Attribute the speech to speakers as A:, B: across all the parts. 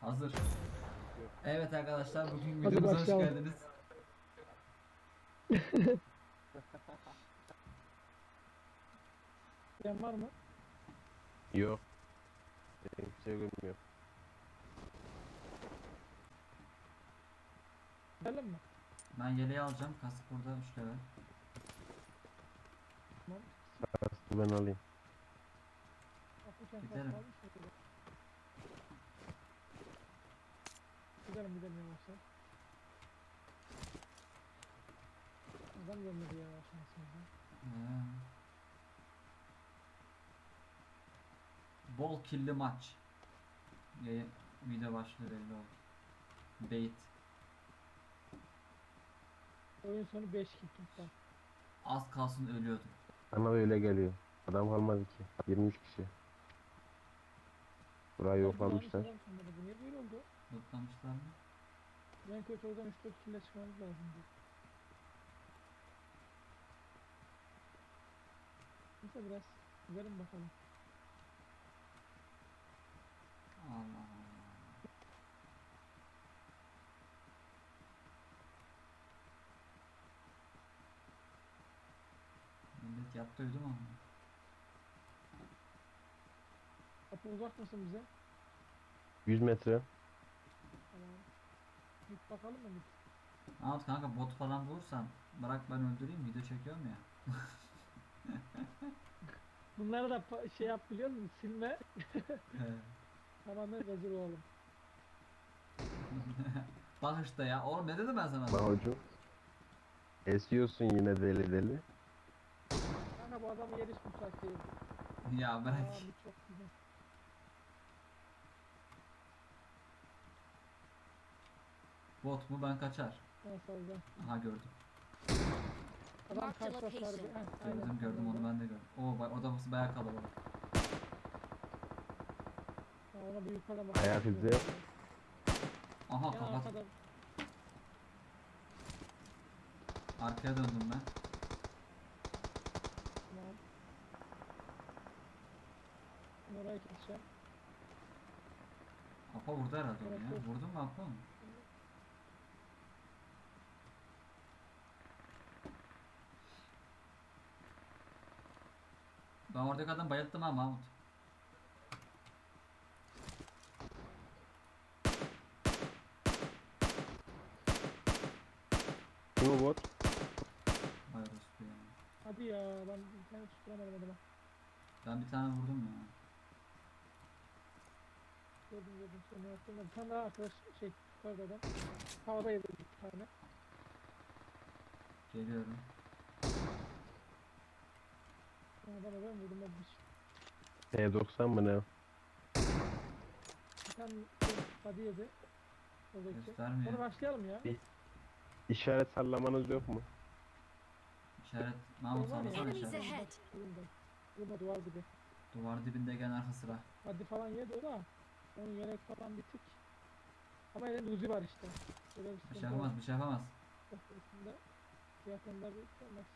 A: Hazır. Evet arkadaşlar, bugün
B: Hadi
A: videomuza hoş
B: başlayalım.
A: geldiniz.
B: Yan var mı?
C: Yok. Ben hiçbir şey görmüyorum.
B: Gidelim mi?
A: Ben yeleği alacağım. Kask burada 3 level.
B: Tamam.
C: Aslında ben alayım.
B: Afrikan
A: Gidelim.
B: kalmış mı? Gidelim yavaşlar. Adam gelmedi ya şansımıza.
A: Ee, Bol killi maç. Video başlığı belli oldu. Bait.
B: Oyun sonu 5 kill toplam.
A: Az kalsın ölüyordum.
C: Bana öyle geliyor. Adam kalmadı ki. 23 kişi. Burayı yoklamışlar.
B: Adam sanmadı. Bu niye böyle oldu?
A: Lootlamışlar mı?
B: En kötü oradan 3-4 kill'e çıkmamız lazımdı. Neyse biraz gidelim bakalım.
A: Allah Allah. Millet yattı uyudu mu?
B: Kapı uzak mısın bize?
C: 100 metre.
B: Tamam. Git bakalım mı git?
A: Ahmet kanka, bot falan bulursan bırak, ben öldüreyim, video çekiyorum ya.
B: Bunları da şey yap biliyor musun? Silme.
A: He.
B: Tamamen rezil olalım.
A: Bak işte ya. Oğlum ne dedim ben sana?
C: Bak hocam. Esiyorsun yine deli deli.
B: Kanka bu adamı yer hiç müsait değil.
A: Ya bırak.
B: Aa, bu çok güzel.
A: Bot mu, ben kaçar.
B: Ben salacağım.
A: Aha gördüm.
B: Adam
D: Mark the
B: karşıda sarı.
D: location.
A: Gördüm onu, ben de gördüm. Oo bak, odamız bayağı kalabalık.
B: Ona bir yukarıdan bak.
C: Ayak izi.
A: Aha
B: Ya
A: kapat.
B: arkadan.
A: Arkaya döndüm ben.
B: Tamam. Oraya keseceğim.
A: Apa vurdu herhalde onu
B: Evet,
A: ya.
B: evet.
A: Vurdun mu Apa onu? Ben oradaki adam bayılttım ha Mahmut.
C: Kim o bot?
A: Vay orospu ya.
B: Hadi ya ben bir tane tutturamadım adama.
A: Ben bir tane vurdum ya.
B: Gördüm seni yaptım da bir tane daha arkadaş şey yukarıda adam. Havada yedi bir tane.
A: Geliyorum.
B: Adama ben vurdum o
C: T90 mı ne?
B: bir tane hadi yedi. Oradaki.
A: Göstermiyor.
B: Onu başlayalım ya.
C: İşaret sallamanız yok mu?
A: İşaret. Mahmut
B: Var ya.
A: sallasana
D: Enemies
A: işaret.
D: ahead.
B: Burada duvar gibi.
A: Duvar dibinde gelen arka sıra.
B: Hadi falan yedi o da. Onun yelek falan bitik. Ama elinde uzi var işte. Böyle bir
A: Bir
B: sıkıntı
A: şey yapamaz,
B: var.
A: bir şey yapamaz.
B: Üstünde fiyatında bir olmaz.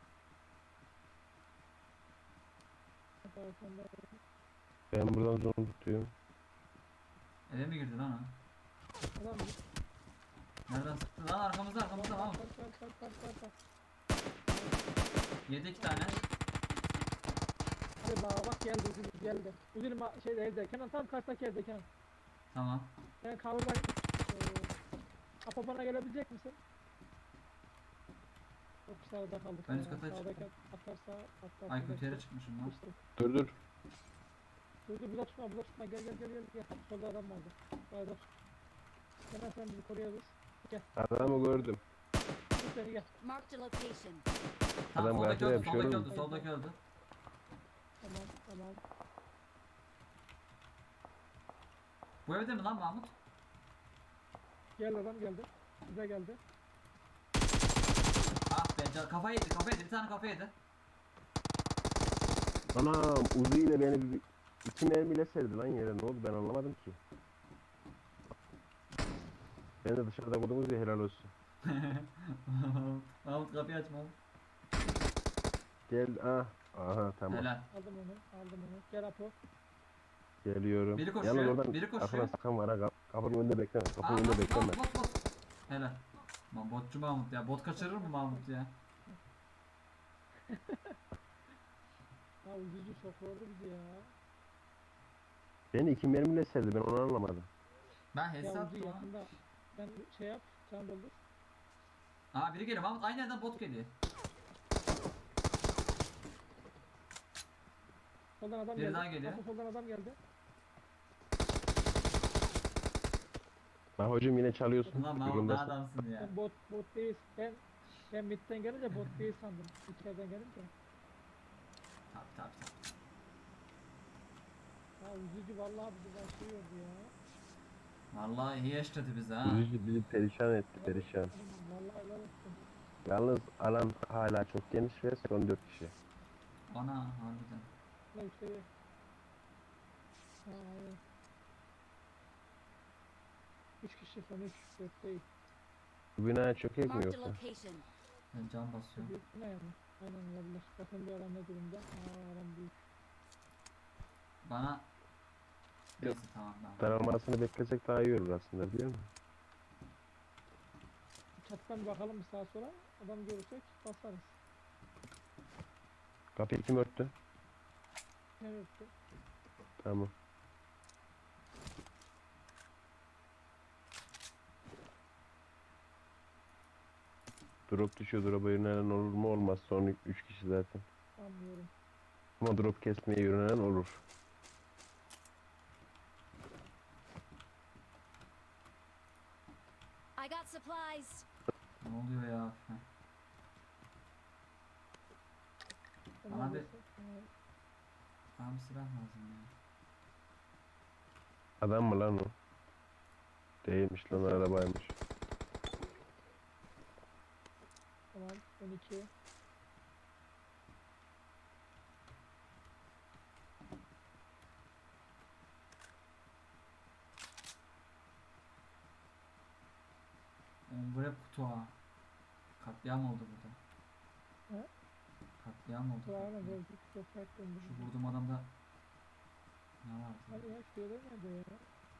B: Fiyatında
C: Ben buradan zon tutuyorum.
A: Eve mi girdi lan o?
B: adam bir
A: Nereden sıktı lan? Arkamızda Mahmut.
B: Kar.
A: Yedi 2 tane.
B: Hadi bak geldi Üzülüm geldi. Üzülüm şeyde evde. Kenan tam karşıdaki evde Kenan.
A: Tamam.
B: Ben cover'dan Apo bana gelebilecek misin? Çok sağda kaldık.
A: Ben üst kata
B: Sağdaki
A: çıktım.
B: atarsa atlar.
A: Ay kötü yere çıkmışım lan.
B: İşte.
C: Dur.
B: Dur burada tutma gel. Solda adam vardı. Dur. Kenan sen bizi koruyabiliriz.
C: Adamı gördüm.
B: Dur seni gel.
D: Marked a location.
A: Tamam,
C: Adam
A: soldaki
C: karşıda
A: öldü,
C: yapışıyor
A: soldaki
C: oğlum.
A: öldü, soldaki öldü.
B: Tamam.
A: Bu evde mi lan Mahmut?
B: Gel adam geldi. Bize geldi.
A: Ah be, kafa yedi, bir tane kafa yedi.
C: Anam Uzi ile beni 2 mermiyle serdi lan yere. Ne oldu ben anlamadım ki. Ben de dışarıda vurdum Uzi, helal olsun.
A: Mahmut kapıyı aç Mahmut.
C: Gel aha tamam.
A: Helal.
B: Aldım onu. Gel Apo.
C: Geliyorum.
A: Biri koşuyor,
C: Yalnız oradan
A: biri koşuyor.
C: arkadan sakan var ha. Kapının önünde bekleme. Kapının
A: Aa,
C: önünde
A: bot,
C: bekleme.
A: bot. Helal. Lan botçu Mahmut ya. Bot kaçırır mı Mahmut ya?
B: Ya ucucu sokuyordu bizi ya.
C: Beni 2 mermiyle serdi. Ben onu anlamadım.
A: Ben
B: Ya
A: hesap
B: ucu
A: mı?
B: yakında. Ben şey yap. Can doldur.
A: Aa biri geliyor Mahmut. Aynı yerden bot geliyor.
B: Soldan adam
A: Biri
B: geldi.
A: daha geliyor.
B: Hasan soldan adam geldi.
C: Bak hocam yine çalıyorsun.
A: Ulan Mahmut ne
C: Yolundasın.
A: adamsın ya.
B: Sen bot değil. Ben midden gelince bot değil sandım. İçeriden gelince.
A: Tabi.
B: Ya ucucu vallahi bizi başlıyordu ya.
A: Vallahi iyi eşledi bizi ha.
C: Yüzücü bizi perişan etti. Perişan.
B: Vallahi helal olsun.
C: Yalnız alan hala çok geniş ve son 4 kişi.
A: Ana harbiden.
B: Ne şey. Ha aynen. 3 kişi son 3. 4 değil.
C: Bu binaya çökek mi
D: Marked a
C: yoksa?
D: location.
A: Ben can basıyorum.
B: Büyük ne yani? Aynen olabilir. Bakın bir adam ne durumda? Aa adam büyük.
A: Bana neyse tamam tamam.
C: Daralmasını beklesek daha iyi olur aslında biliyor musun?
B: Çatıdan bir bakalım bir sağa sola. Adam görürsek basarız.
C: Kapıyı kim örttü?
B: Evet.
C: Tamam. Drop düşüyor. Drop'a yönelen olur mu? Olmaz. Son 3 kişi zaten.
B: Anlıyorum.
C: Ama drop kesmeye yönelen olur.
D: I got supplies.
A: Ne oluyor ya? Heh.
B: Tamam,
A: Abi.
B: neyse.
A: Bana bir silah lazım ya.
C: Adam mı lan o? Değilmiş lan arabaymış.
B: Tamam 12.
A: Oğlum bu hep kutu ha. Katliam oldu burada.
B: He?
A: Katliam oldu.
B: Kulağına
A: katliam.
B: gördük. Gökberk döndü.
A: Şu vurduğum adamda ne vardı?
B: Hadi ya şurada nerede ya?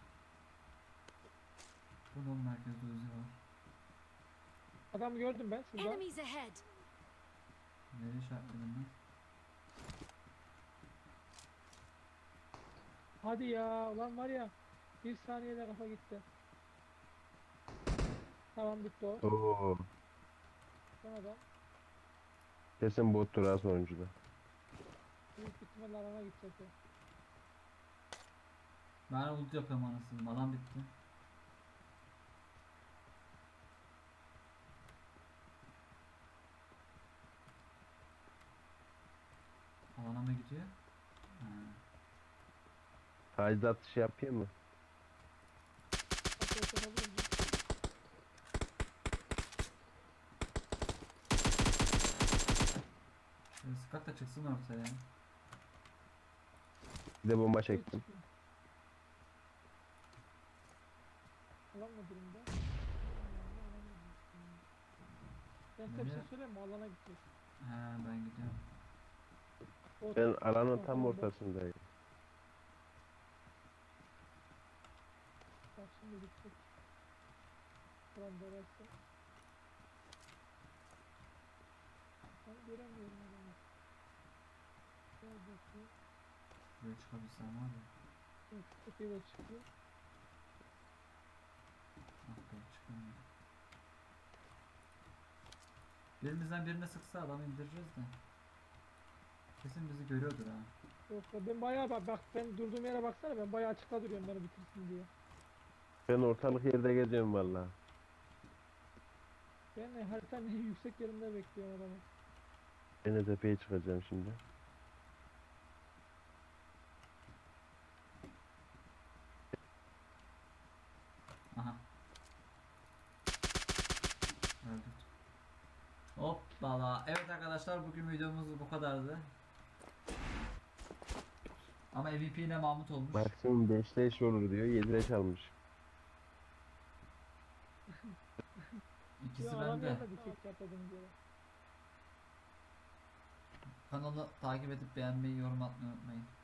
A: Burada oğlum merkezde Uzi var.
B: Adam gördüm ben şurada.
D: Enemies ahead.
A: Nereye işaretledim ben?
B: Hadi ya ulan var ya. Bir saniyede kafa gitti. Tamam bitti o.
C: Oo.
B: Son adam.
C: Kesin bottur ha sonuncuda.
B: Büyük ihtimalle alana gidecek o.
A: Ben ult yapıyorum anasını. Alan bitti. Alana mı gidiyor? Ha.
C: Taciz atışı yapayım mı?
B: Atlet yapabilir miyim?
A: Şöyle sıkak da çıksın ortaya.
C: Bir de bomba çektim.
B: Alan mı durumda? Ben size bir
A: Nereye?
B: şey söyleyeyim mi? Alana gidecek.
A: He ben gidiyorum.
B: O
C: Ben alanın tam
B: Tamam,
C: ortasındayım.
B: bak şimdi gidecek. Buram burası. Ben göremiyorum adamı. Gel bakayım.
A: Şuraya çıkabilsem var ya.
B: Yok, tepeye çıkıyor.
A: Ah be çıkamıyorum. Birimizden birine sıksa adamı indireceğiz de. Kesin bizi görüyordur ha.
B: Yok ya ben bayağı bak ben durduğum yere baksana ben bayağı açıkta duruyorum beni bitirsin diye.
C: Ben ortalık yerde geziyorum vallahi.
B: Ben haritanın en yüksek yerinde bekliyorum adamı.
C: Ben de tepeye çıkacağım şimdi.
A: Aha. Öldük. Hoppala. Evet arkadaşlar bugün videomuz bu kadardı. Ama MVP ile Mahmut olmuş.
C: Maksimum 5 leş olur diyor. 7 leş almış.
A: İkisi
B: Ya adam
A: bende.
B: yerine dikkat yapmadığım yere.
A: Kanalı takip edip beğenmeyi, yorum atmayı unutmayın.